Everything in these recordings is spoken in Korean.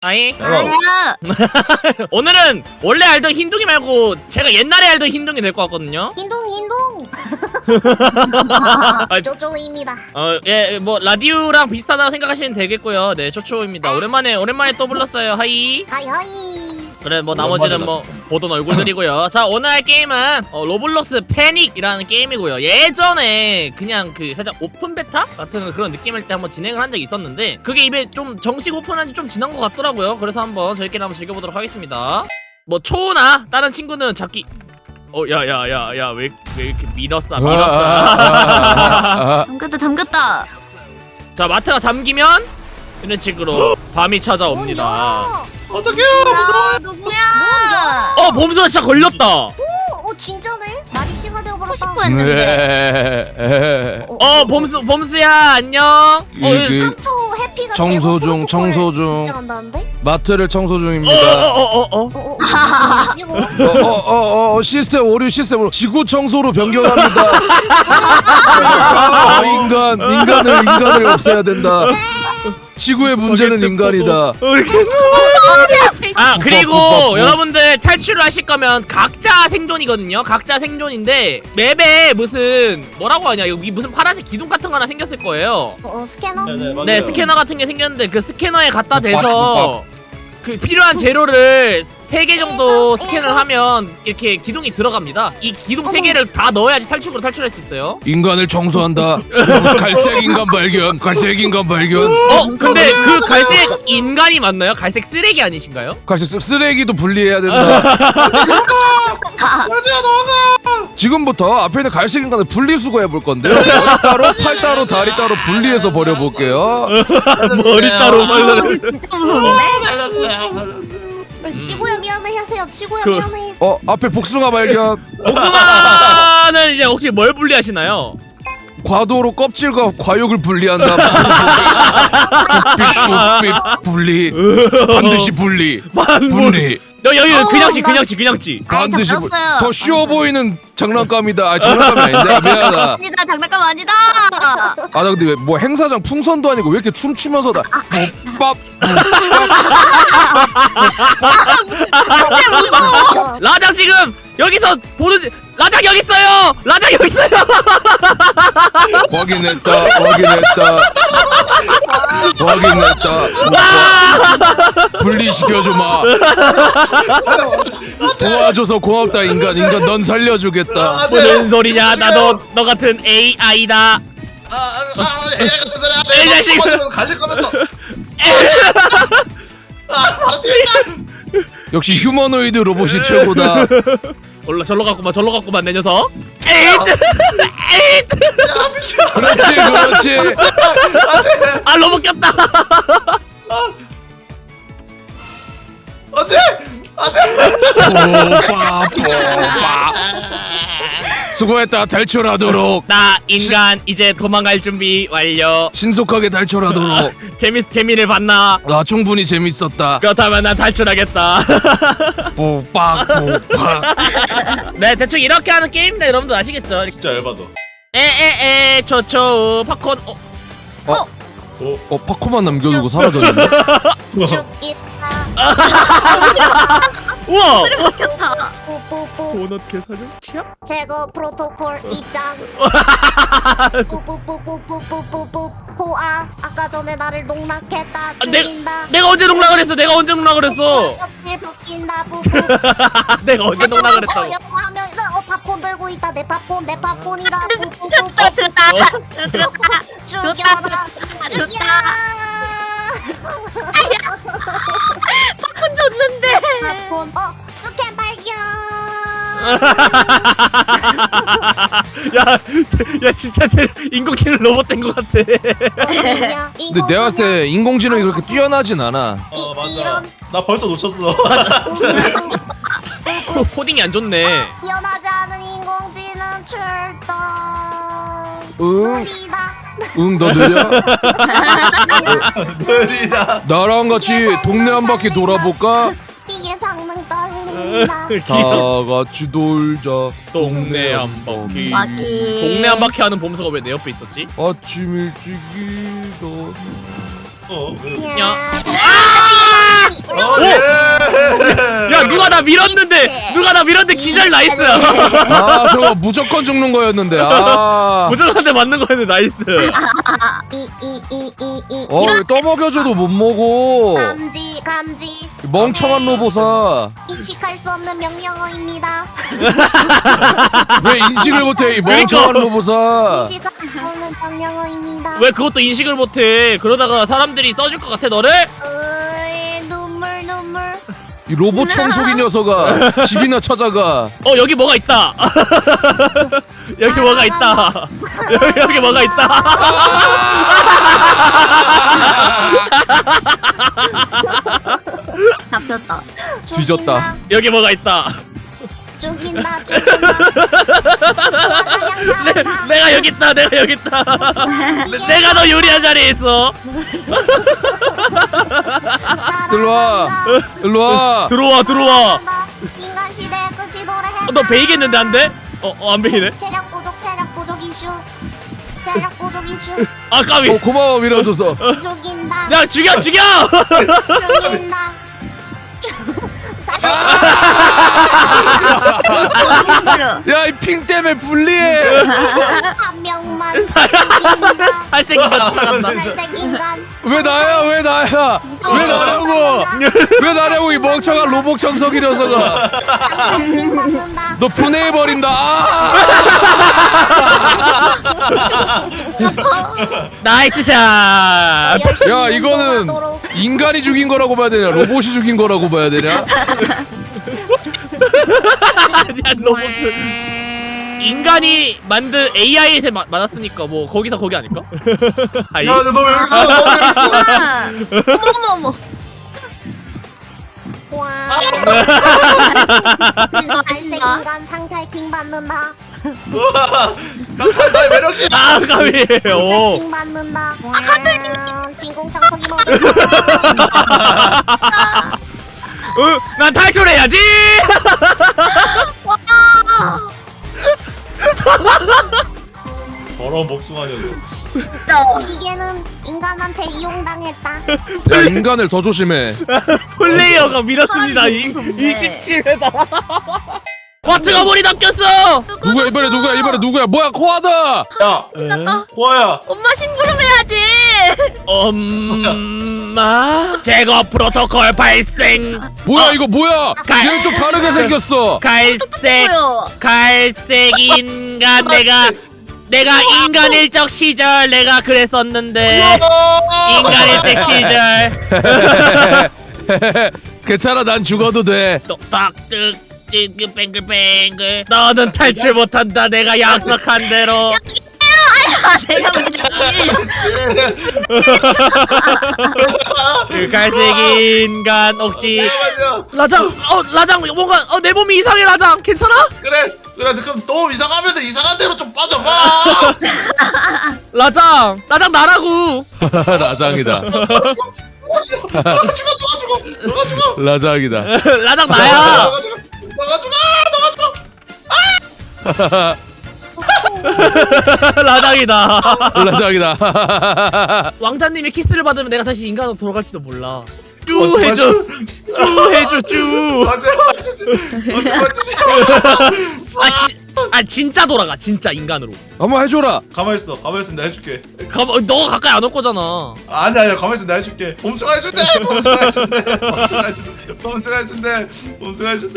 아이 아니야. 오늘은 원래 알던 흰둥이 말고 제가 옛날에 알던 흰둥이 될 것 같거든요. 흰둥. 아, 쪼쪼입니다. 예, 뭐 라디오랑 비슷하다고 생각하시면 되겠고요. 네, 초초입니다. 오랜만에 또 불렀어요. 하이. 하이하이. 그래, 뭐 나머지는 뭐 보던 얼굴들이고요. 자, 오늘 할 게임은 로블록스 패닉이라는 게임이고요. 예전에 그냥 그 살짝 오픈 베타 같은 그런 느낌일 때 한번 진행을 한 적이 있었는데 그게 입에 좀 정식 오픈한 지 좀 지난 것 같더라고요. 그래서 한번 저희끼리 한번 즐겨보도록 하겠습니다. 뭐 초우나 다른 친구는 잡기. 야야야야 왜 이렇게 밀었어. 담겼다. 자, 마트가 잠기면 이런 식으로 밤이 찾아옵니다. 어떡해요 무서워. 누구야? 범수가 진짜 걸렸다. 진짜네? 말이 씨가 되어버렸다. 싶어 했는데. 범수야 안녕. 상초 해피가 청소 중, 청소 중. 긴장한다는데? 마트를 청소 중입니다. 이거 시스템 오류 시스템으로 지구 청소로 변경합니다. 인간을 없애야 된다. 지구의 문제는 인간이다. 그리고 여러분들 탈출을 하실 거면 각자 생존이거든요. 각자 생존인데 맵에 무슨 뭐라고 하냐, 여기 무슨 파란색 기둥 같은 거 하나 생겼을 거예요. 스캐너? 네, 스캐너 같은 게 생겼는데 그 스캐너에 갖다 대서 그 필요한 재료를 3개 정도 스캔을 하면 이렇게 기둥이 들어갑니다. 이 기둥 3개를 다 넣어야지 탈출할 수 있어요. 인간을 청소한다. 갈색 인간 발견. 근데 그 갈색 인간이 맞나요? 갈색 쓰레기 아니신가요? 갈색 쓰레기도 분리해야 된다. 지금부터 앞에 있는 갈색 인간을 분리수거 해볼 건데요. 머리 따로, 팔 따로, 다리 따로 분리해서 버려볼게요. 머리 따로 진짜 무서운데? 지구야 미안해 하세요. 지구야 미안해. 앞에 복숭아 발견. 복숭아는 이제 혹시 뭘 분리하시나요? 과도로 껍질과 과육을 분리한다. 삐삐 분리. 반드시 분리. 분리. 여기 그냥치. 반드시 분리. 잡았어요. 더 쉬워 보이는 장난감이다. 장난감이 아닌데. 미안하다. 아니다, 장난감 아니다. 나 근데 왜 뭐 행사장 풍선도 아니고 왜 이렇게 춤추면서 다 밥. 라장 지금 여기서 보는 라장 여기 있어요. 확인했다. 분리시켜주마. 도와줘서 고맙다 인간 넌 살려주겠다. 무슨 소리냐? 나도 너 같은 AI다. 이 자식. 갈릴 거면서. 역시 휴머노이드 로봇이 최고다. 절로 갔구만 내 녀석. 에잇. 그렇지. 로봇 꼈다. 안돼. 수고했다. 탈출하도록. 나 인간 이제 도망갈 준비 완료. 신속하게 탈출하도록. 재미를 봤나? 나 충분히 재밌었다. 그렇다면 난 탈출하겠다. 뽀빡. 네, 대충 이렇게 하는 게임입니다. 여러분들 아시겠죠? 진짜 열받아. 초초 팝콘. 파코만 남겨두고 사라졌는데. 우와. 뿌뿌뿌. 도넛 개사료 치약? 제거 프로토콜 입장. 뿌뿌뿌뿌뿌뿌뿌뿌. 호아 아까 전에 나를 농락했다. 죽인다. 내가 언제 농락을 했어? 껍질 벗긴다. 뿌뿌. 내가 언제 농락을 했다고? 여기 하면 팝콘 들고 있다. 내 팝콘이다. 뿌뿌뿌뿌. 죽여라. 팝콘 줬는데. 팝콘. 스캔 발견. 야 진짜 쟤 인공지능 로봇 된 것 같아. 근데 내가 봤을 때 인공지능이 그렇게 뛰어나진 않아. 맞아. 나 벌써 놓쳤어. 코딩이 안 좋네. 뛰어나지 않은 인공지능 출동. 느리다. 너 느려? 느리다. 나랑 같이 동네 한 바퀴 돌아볼까? 이게 성능 떨린다. 다 같이 놀자. 동네 한 바퀴. 동네 한 바퀴 하는 봄수가 왜 내 옆에 있었지? 아침 일찍 일어나. 야. 예. 야 누가 나 밀었는데 기절 나이스야. 아 저거 무조건 죽는 거였는데. 아. 무조건한테 맞는 거였는데 나이스. 또 먹여줘도 못 먹어. 감지 멍청한 로보사. 인식할 수 없는 명령어입니다. 왜 인식을 못해 이 멍청한 로보사. 인식할 수 없는 명령어입니다. 왜 그것도 인식을 못해? 그러다가 사람들이 써줄 것 같아 너를? 눈물 이 로봇 청소기 녀석아 집이나 찾아가. 여기 뭐가 있다. 여기 뭐가 있다. 여기 뭐가 있다. 잡혔다. 뒤졌다. 여기 뭐가 있다. 죽인다. 내가 여기 있다. 내가 여기 있다. 내가 너 요리한 자리에 있어. 일로와. 들어와. 인간 시대의 끝이 노래. 너 베이겠는데 안 돼? 안 베이네. 체력 부족 이슈. 아 까비. 고마워 밀어줘서. 죽인다. 야 죽여. 죽인다. 야 이 핑 때문에 불리해. 한 명만 죽인다. 살색이가 쫓아간다. 살색 인간. 왜 나야 왜 나냐고 이 멍청한 로봇 청소기 녀석아. 킹 받는다. 너 분해해버린다. 나이스 샷. 야 이거는 인간이 죽인 거라고 봐야 되냐 로봇이 죽인 거라고 봐야 되냐. 아니야 로봇. 인간이 만든 AI에 맞았으니까 뭐 거기서 거기 아닐까? 아이. 야, 너 왜 여기 있어? 어머. 와. 갈색 인간 상탈킹 받는다. 상상나의 매력이. 아 까비. 오. 킹 받는다. 진공 청소기 먹는다. 난 탈출해야지. 더러운 복숭아 녀석. 기계는 인간한테 이용당했다. 야 인간을 더 조심해. 플레이어가 밀었습니다. 27회다. 와 뜨거물이 낚였어. 누구야 이번에 누구야 뭐야 코아다. 야, 코아야. 엄마 심부름해야지. 엄마 제거 프로토콜 발생. 뭐야 이거 뭐야 얘 좀 다르게 생겼어. 갈색 인간. 내가 인간일 적 시절 내가 그랬었는데 인간일 때 시절. 괜찮아 난 죽어도 돼. 똑딱득 뱅글뱅글. 너는 탈출 못한다. 내가 약속한 대로. 내가 그 갈색 인간 혹시 잠깐만요. 라장 뭔가 내 몸이 이상해. 라장 괜찮아? 그래. 그럼 너무 이상하면 이상한 대로 좀 빠져봐. 라장 나라고. 라장이다. 너가 죽어. 라장이다. 라장 나야. 너가 죽어. 라장이다. 라장이다. 왕자님의 키스를 받으면 내가 다시 인간으로 돌아갈지도 몰라. 쭈 맞아, 해줘. 쭈 해줘 쭈. 진짜 돌아가. 진짜 인간으로. 한번 해줘라. 가만 있어. 내가 해줄게. 너가 가까이 안 올 거잖아. 아니야. 가만 있어. 내가 해줄게. 봄수가 해준대. 봄수가 해준대.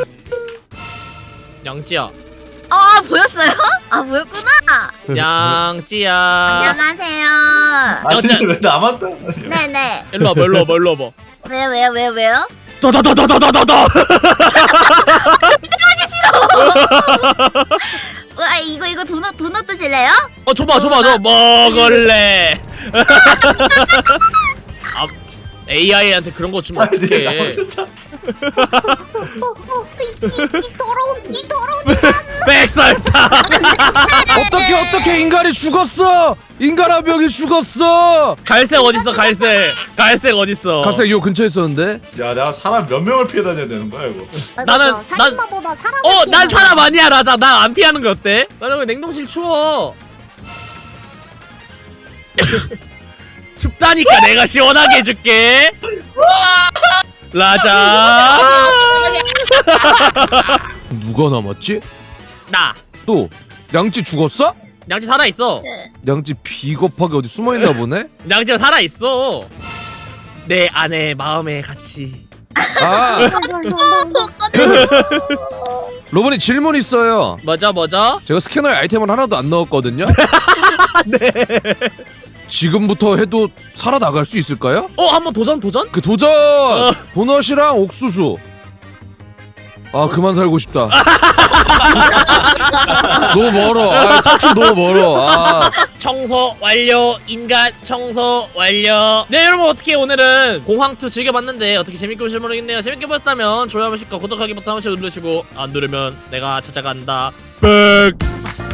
양찌야. 보였어요? 보였구나. 양찌야. 안녕하세요. 아니 왜 나만 떠? 네네. 일로 와봐. 왜요? 다다다다다다다. 와 이거 도넛 드실래요? 줘봐. 먹을래. AI한테 그런 거 주면 어떡해. 진짜. 이 더러운 백설탕. 어떻게 인간이 죽었어. 인간 한 명이 죽었어. 갈색 어딨어? 갈색 어딨어? 갈색 요 근처에 있었는데. 야, 내가 사람 몇 명을 피해 다녀야 되는 거야 이거? 살인마보다 사람. 난 사람 아니야. 라자. 난 안 피하는 거 어때? 나는 왜 냉동실 추워? 춥다니까 내가 시원하게 해줄게. 라자. 누가 남았지? 나. 또 양치 죽었어? 양치 살아있어. 양치 비겁하게 어디 숨어있나 보네? 양치가 살아있어. 내 안에 마음에 같이. 아 로봇이 질문 있어요. 뭐죠? 제가 스캐너에 아이템을 하나도 안 넣었거든요. 네. 지금부터 해도 살아나갈 수 있을까요? 한번 도전? 그 도전! 도넛이랑 옥수수. 아 그만 살고 싶다. 너무 멀어. 탈출 너무 멀어. 청소 완료. 인간 청소 완료. 네 여러분, 어떻게 오늘은 공황2 즐겨봤는데 어떻게 재밌게 보실지 모르겠네요. 재밌게 보셨다면 좋아요 한 번씩과 구독하기 버튼 한 번씩 누르시고 안 누르면 내가 찾아간다. 백.